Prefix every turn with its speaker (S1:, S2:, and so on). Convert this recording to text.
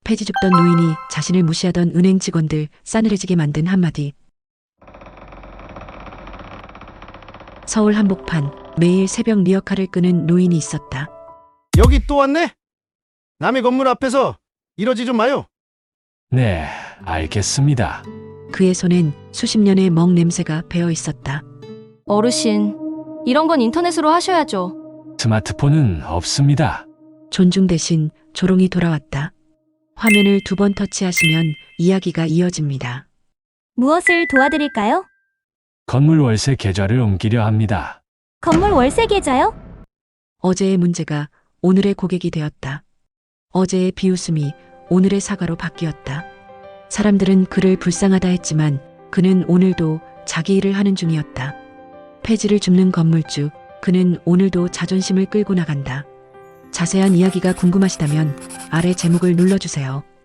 S1: 폐지 줍던 노인이 자신을 무시하던 은행 직원들 싸늘해지게 만든 한마디. 서울 한복판 매일 새벽 리어카를 끄는 노인이 있었다.
S2: 여기 또 왔네? 남의 건물 앞에서 이러지 좀 마요.
S3: 네, 알겠습니다.
S1: 그의 손엔 수십 년의 먹 냄새가 배어 있었다.
S4: 어르신, 이런 건 인터넷으로 하셔야죠.
S3: 스마트폰은 없습니다.
S1: 존중 대신 조롱이 돌아왔다. 화면을 2번 터치하시면 이야기가 이어집니다.
S5: 무엇을 도와드릴까요?
S3: 건물 월세 계좌를 옮기려 합니다.
S5: 건물 월세 계좌요?
S1: 어제의 문제가 오늘의 고객이 되었다. 어제의 비웃음이 오늘의 사과로 바뀌었다. 사람들은 그를 불쌍하다 했지만 그는 오늘도 자기 일을 하는 중이었다. 폐지를 줍는 건물주, 그는 오늘도 자존심을 끌고 나간다. 자세한 이야기가 궁금하시다면 아래 제목을 눌러주세요.